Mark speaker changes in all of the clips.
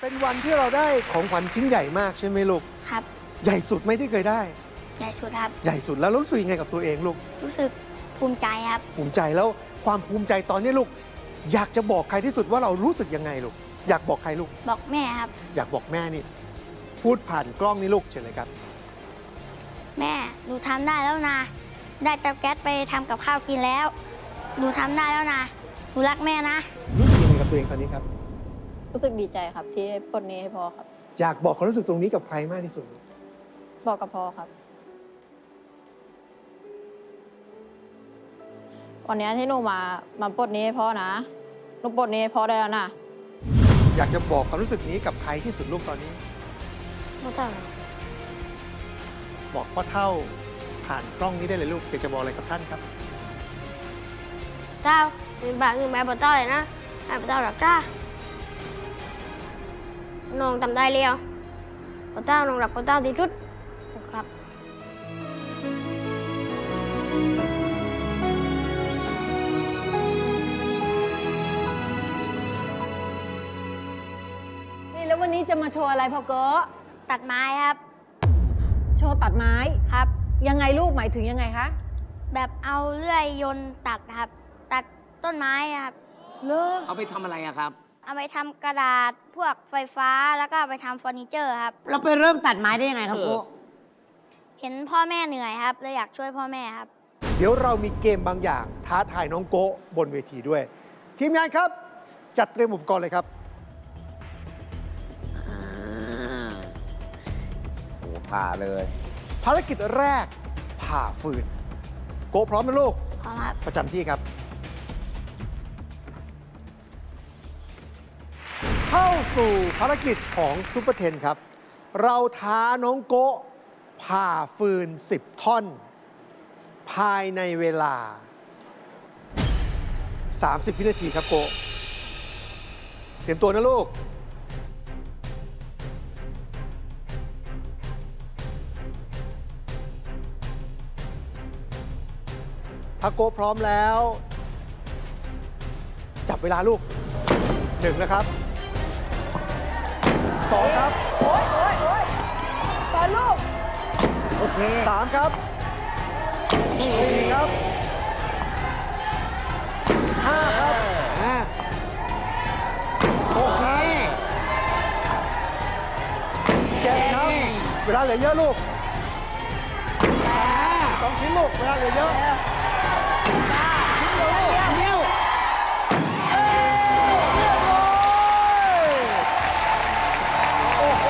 Speaker 1: เป็นวันที่เราได้ของขวัญชิ้นใหญ่มากใช่ไหมลูก
Speaker 2: ครับ
Speaker 1: ใหญ่สุดไหมที่เคยได้
Speaker 2: ใหญ่สุดครับ
Speaker 1: ใหญ่สุดแล้วรู้สึกยังไงกับตัวเองลูก
Speaker 2: รู้สึกภูมิใจครับ
Speaker 1: ภูมิใจแล้วความภูมิใจตอนนี้ลูก อยากจะบอกใครที่สุดว่าเรารู้สึกยังไงลูก อยากบอกใครลูก
Speaker 2: บอกแม่ครับ
Speaker 1: อยากบอกแม่นี่ พูดผ่านกล้องนี่ลูกเชิญเลยครับ
Speaker 2: แม่หนูทำได้แล้วนะ ได้เตาแก๊สไปทำกับข้าวกินแล้ว หนูทำได้แล้วนะ หนูรักแม่นะ
Speaker 1: รู้สึกยังไงกับตัวเองตอนนี้ครับ
Speaker 3: รู้สึกดีใจครับที่ได้ปลดหนี้ให้พ่อครับ
Speaker 1: อยากบอกความรู้สึกตรงนี้กับใครมากที่สุดลูก
Speaker 3: บอกกับพ่อครับ วันนี้ที่หนูมาปลดหนี้ให้พ่อนะหนูปลดหนี้ให้พ่อได้แล้วนะ
Speaker 1: อยากจะบอกความรู้สึกนี้กับใครที่สุดลูกตอนนี้
Speaker 2: ไม่ต้อง
Speaker 1: บอกพ่อเท่าผ่านกล้องนี้ได้เลยลูกอยากจะบอกอะไรกับท่านครับ
Speaker 2: เต้าบางอื่นแม่บอกเต้าเลยนะแม่บอกเต้าหรักจ้าน้องทำได้เร็วบอกเต้าน้องรักบอกเต้าที่สุดครับ
Speaker 4: นี่แล้ววันนี้จะมาโชว์อะไรพ่อเก๋อ
Speaker 2: ตัดไม้ครับ
Speaker 4: โชว์ตัดไม้
Speaker 2: ครับ
Speaker 4: ยังไงลูกหมายถึงยังไงคะ
Speaker 2: แบบเอาเลื่อยยนต์ตัดครับ ตัดต้นไม้ครับ
Speaker 4: เลิก
Speaker 5: เอาไปทำอะไรอะครับ
Speaker 2: เอาไปทำกระดาษพวกไฟฟ้าแล้วก็เอาไปทำเฟอร์นิเจอร์ครับ
Speaker 6: เราไปเริ่มตัดไม้ได้ยังไงครับ
Speaker 5: เออ
Speaker 6: โก
Speaker 2: เห็นพ่อแม่เหนื่อยครับเลยอยากช่วยพ่อแม่ครับ
Speaker 1: เดี๋ยวเรามีเกมบางอย่างท้าทายน้องโกะบนเวทีด้วย ทีมงานครับ จัดเตรียมอุปกรณ์เลยครับ
Speaker 5: โอ้ผ่าเลย
Speaker 1: ภารกิจแรกผ่าฟืน โกะพร้อมไหมลูก
Speaker 2: พร้อมครับ
Speaker 1: ประจำที่ครับ เข้าสู่ภารกิจของซูเปอร์เทนครับ เราท้าน้องโกะผ่าฟืน 10 ท่อน ภายในเวลา 30 วินาทีครับโกะเตรียมตัวนะลูก ถ้าโกะพร้อมแล้ว จับเวลาลูก 1 นะครับ 2 ครับ
Speaker 4: โอ๊ยโอ๊ยโอ๊ยตอนลูก
Speaker 1: โอเค 3 ครับ 4 ครับ 5 ครับ
Speaker 6: โอเค
Speaker 1: 7 ครับ เวลาเหลือเยอะลูก2 ชิ้นลูก เวลาเหลือเยอะ
Speaker 6: เร็ว
Speaker 1: โอ้โห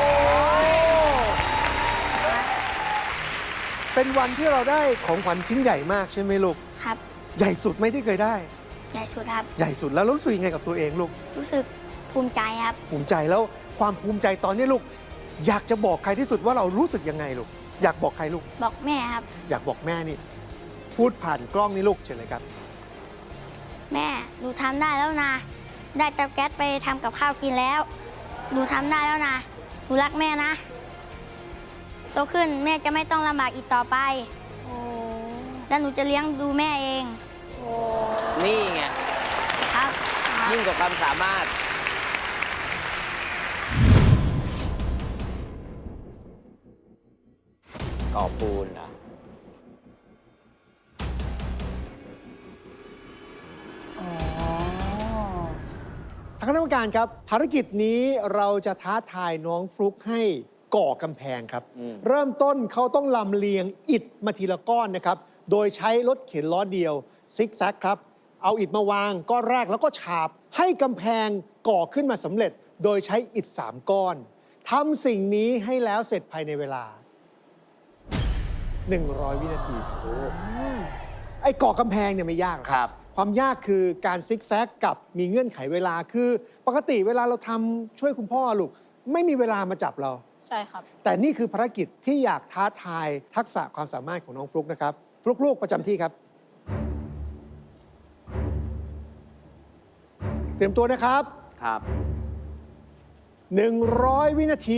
Speaker 1: เป็นวันที่เราได้ของขวัญชิ้นใหญ่มากใช่ไหมลูก
Speaker 2: ครับ
Speaker 1: ใหญ่สุดไหมที่เคยได้
Speaker 2: ใหญ่สุดครับ
Speaker 1: ใหญ่สุดแล้วรู้สึกยังไงกับตัวเองลูก
Speaker 2: รู้สึกภูมิใจครับ
Speaker 1: ภูมิใจแล้วความภูมิใจตอนนี้ลูก อยากจะบอกใครที่สุดว่าเรารู้สึกยังไงลูก อยากบอกใครลูก
Speaker 2: บอกแม่ครับ
Speaker 1: อยากบอกแม่นี่ พูดผ่านกล้องนี่ลูกเชิญเลยครับ
Speaker 2: แม่หนูทำได้แล้วนะ ได้เตาแก๊สไปทำกับข้าวกินแล้ว หนูทำได้แล้วนะ หนูรักแม่นะ โตขึ้นแม่จะไม่ต้องลำบากอีกต่อไป
Speaker 4: โอ้
Speaker 2: แล้วหนูจะเลี้ยงดูแม่เอง
Speaker 4: โอ้
Speaker 5: นี่ไง
Speaker 2: ครับ
Speaker 5: ยิ่งกว่าความสามารถ ก่อปูนเหรอ
Speaker 4: อ๋อ
Speaker 1: ทางคณะกรรมการครับ ภารกิจนี้เราจะท้าทายน้องฟลุกให้ก่อกำแพงครับ เริ่มต้นเขาต้องลำเลียงอิฐมาทีละก้อนนะครับ โดยใช้รถเข็นล้อเดียวซิกแซกครับ เอาอิฐมาวางก้อนแรกแล้วก็ฉาบให้กำแพงก่อขึ้นมาสำเร็จ โดยใช้อิฐ3 ก้อนทำสิ่งนี้ให้แล้วเสร็จภายในเวลา 100 วินาทีไอ้ก่อกำแพงเนี่ยไม่ยากหรอก
Speaker 5: ครับ
Speaker 1: ความยากคือการซิกแซกกับมีเงื่อนไขเวลาคือปกติเวลาเราทำช่วยคุณพ่อลูกไม่มีเวลามาจับเรา
Speaker 3: ใช่ครับ
Speaker 1: แต่นี่คือภารกิจที่อยากท้าทายทักษะความสามารถของน้องฟลุกนะครับฟลุกลูกประจำที่ครับ เตรียมตัวนะครับ
Speaker 5: ครับ
Speaker 1: 100 วินาที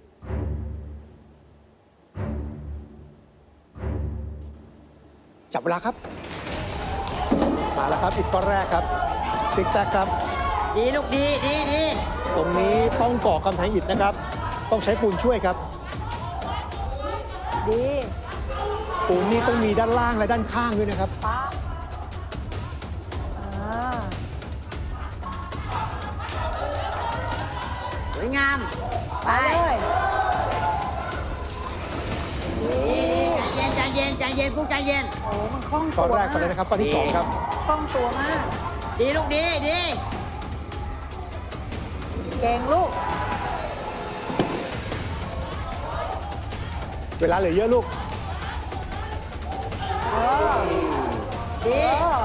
Speaker 1: จับเวลาครับ มาแล้วครับอีกก้อนแรกครับซิกแซกครับ
Speaker 6: ดีลูกดีดีดี
Speaker 1: ตรงนี้ต้องก่อกำแพงอิฐนะครับ ต้องใช้ปูนช่วยครับ
Speaker 4: ดี
Speaker 1: ปูนนี่ต้องมีด้านล่างและด้านข้างด้วยนะครับ
Speaker 4: ป๊าอ่า
Speaker 6: สวยงาม
Speaker 4: ไปเลย
Speaker 6: ดีใจเย็นใจเย็นพวกใจเย็น
Speaker 4: โอ้มันคล่อง
Speaker 1: ก้
Speaker 4: ตั
Speaker 1: อน
Speaker 4: ว
Speaker 1: แรกไปเลยนะครับก้อนที่สองครับ
Speaker 4: คล่องตัวมาก
Speaker 6: ดีลูกดีดี
Speaker 4: เก่งลูก
Speaker 1: เวลาเหลือเยอะลูก
Speaker 4: เออ
Speaker 6: ดี
Speaker 4: เออ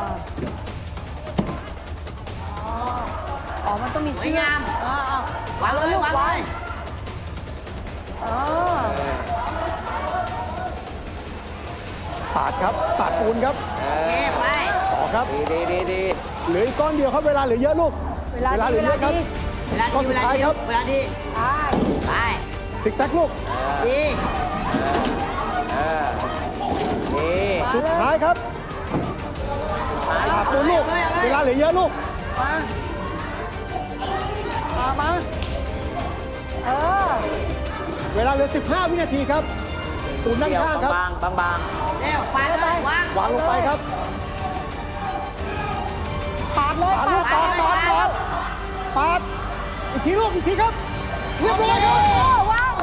Speaker 4: อ๋อ มันต้องมี
Speaker 6: สวย
Speaker 4: เชือก
Speaker 6: งาม
Speaker 4: วางเลยลูกวางเออ
Speaker 1: ปาดครับ ปาดปูนครับ
Speaker 6: เก็บไป
Speaker 1: ต่อครับ
Speaker 5: ดี
Speaker 1: เหลืออีกก้อนเดียวครับ เวลาเหลือเยอะลูก
Speaker 4: เวลา
Speaker 1: เหลือเยอะครับ
Speaker 4: ดี
Speaker 6: เวลา
Speaker 1: ข้อ
Speaker 6: ดี
Speaker 1: สุ
Speaker 6: เว
Speaker 1: ด
Speaker 6: ลา
Speaker 1: ท้าย
Speaker 6: ดี
Speaker 1: ครับ
Speaker 6: เวลาดี
Speaker 4: ไป
Speaker 6: ไป
Speaker 1: ซิกแซกลูก
Speaker 6: ดี
Speaker 5: เออดี
Speaker 1: สุดท้ายครับ ปาดปูนลูก เวลาเหลือเยอะลูก
Speaker 4: มาเออ
Speaker 1: เวลาเหลือ 15 วินาทีครับ ปูนด้านข้างครับ
Speaker 5: บาง
Speaker 6: เร็วไปเลยวาง
Speaker 1: วางลงไปครับ
Speaker 4: ปาดเลย
Speaker 1: ปาดลูกปาดปาดปาดปาดอีกทีลูกอีกทีครับ เรียบร้อยครับ
Speaker 4: ว้าว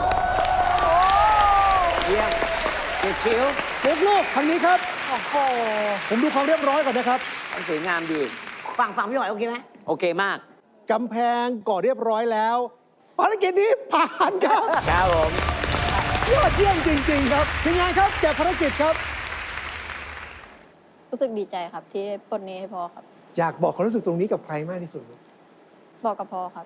Speaker 5: เยี่ยมเฉียดชิว
Speaker 1: เรียบลูกทางนี้ครับ
Speaker 4: โอ้โห
Speaker 1: ผมดูความเรียบร้อยก่อนนะครับ
Speaker 5: สวยงามดี
Speaker 6: ฝั่งพี่หอยโอเคไหม
Speaker 5: โอเคมาก
Speaker 1: กำแพงก่อเรียบร้อยแล้วภารกิจนี้ผ่านครับ
Speaker 5: ครับผม
Speaker 1: ยอดเยี่ยมจริง ๆ ครับทีมงานครับแกะภารกิจครับ
Speaker 3: รู้สึกดีใจครับที่ปลดหนี้ให้พ่อครับ
Speaker 1: อยากบอกความรู้สึกตรงนี้กับใครมากที่สุดลูก
Speaker 3: บอกกับพ่อครับ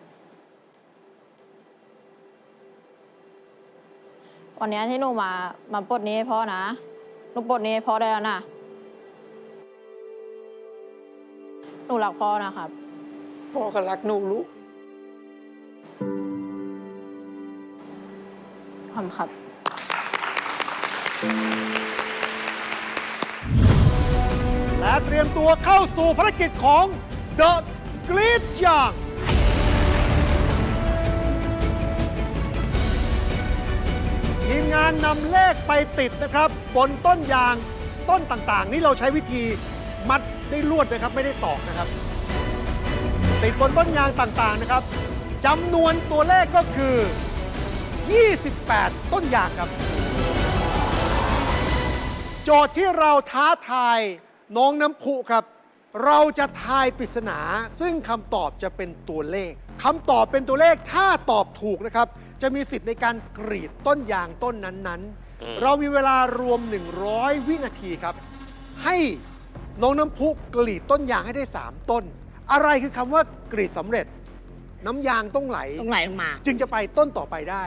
Speaker 3: วันนี้ที่หนูมาปลดหนี้ให้พ่อนะหนูปลดหนี้ให้พ่อได้แล้วนะหนูรักพ่อนะครับ
Speaker 1: พ่อก็รักหนูลูก
Speaker 3: ขอบคุณครับ
Speaker 1: และเตรียมตัวเข้าสู่ภารกิจของ The Great Young ทีมงานนำเลขไปติดนะครับบนต้นยางต้นต่างๆ นี่เราใช้วิธีมัดได้ลวดนะครับไม่ได้ตอกนะครับ ติดบนต้นยางต่างๆนะครับจำนวนตัวเลขก็คือ 28 ต้นยางครับ โจทย์ที่เราท้าทายน้องน้ำพุครับ เราจะทายปริศนาซึ่งคำตอบจะเป็นตัวเลขคำตอบเป็นตัวเลขถ้าตอบถูกนะครับ จะมีสิทธิ์ในการกรีดต้นยางต้นนั้นๆ เรามีเวลารวม 100 วินาทีครับ ให้น้องน้ำพุกรีดต้นยางให้ได้ 3 ต้น อะไรคือคำว่ากรีดสำเร็จ น้ำยางต้องไหล
Speaker 6: ต้องไหลลงมา
Speaker 1: จึงจะไปต้นต่อไปได้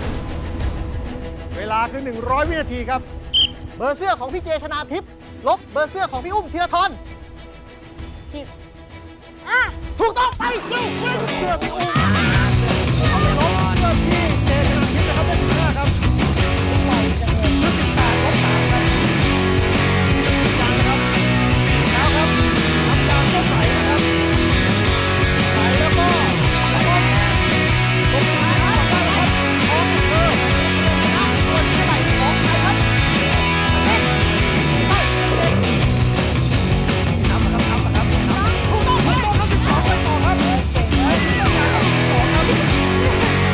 Speaker 1: เวลาคือ 100 วินาทีครับ
Speaker 7: เบอร์เสื้อของพี่เจชนาทิพย์ลบเบอร์เสื้อของพี่อุ้มธีรทร
Speaker 2: 10
Speaker 1: ถูกต้องไปเร็วเร็วเสื้อพี่อุ้มเอาไปลบเสื้อพี่เจชนาทิพย์นะครับได้15ครับเสื้อ18ลบ3ครับยางนะครับแล้วครับน้ำยางก็ใสนะครับใสแล้วก็ลงท้ายนะครับได้แล้วครับของเธอส่วนเท่าไหร่ของใครครับนับนะครับถูกต้องถูกต้องครับ12ไปต่อครับเก่งเลย12ครับ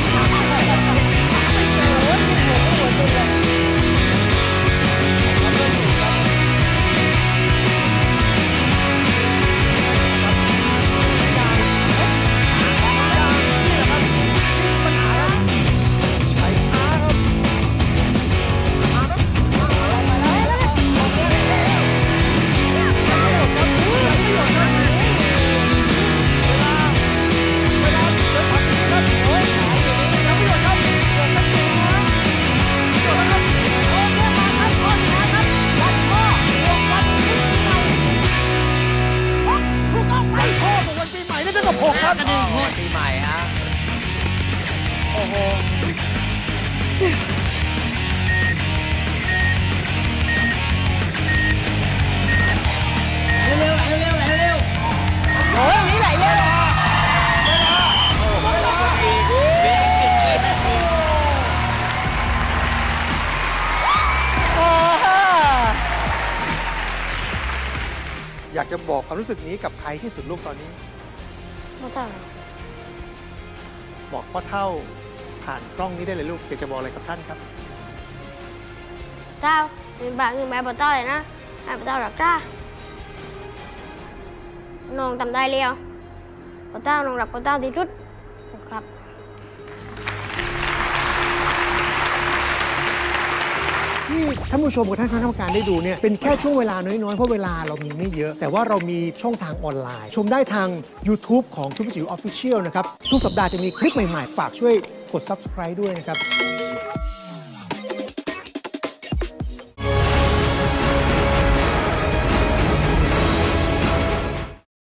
Speaker 1: ไปพ่อบอกวันปีใหม่ได้ตั้งแต่6ครับ
Speaker 5: ปีใหม่ฮะ
Speaker 6: เร็วไหลเร็วไหลเร็ว
Speaker 4: โอ้ยนี่ไหลเร็ว
Speaker 1: อยากจะบอกความรู้สึกนี้กับใครที่สุดลูกตอนนี้
Speaker 2: ไม่ต้อง
Speaker 1: บอกพ่อเท่าผ่านกล้องนี้ได้เลยลูกอยากจะบอกอะไรกับท่านครับ
Speaker 2: เต้าเป็นบาเงินใบบเต้าเลยนะให้บเต้าหลักจ้าน้องทำได้แล้วบเต้าน้องรับบเต้าที่สุดครับ
Speaker 1: ที่ท่านผู้ชมกับท่านคณะกรรมการได้ดูเนี่ยเป็นแค่ช่วงเวลาน้อย ๆ เพราะเวลาเรามีไม่เยอะ แต่ว่าเรามีช่องทางออนไลน์ ชมได้ทาง YouTube ของทุกจิ๋ว Official นะครับ ทุกสัปดาห์จะมีคลิปใหม่ ๆ ฝากช่วยกด Subscribe ด้วยนะครับ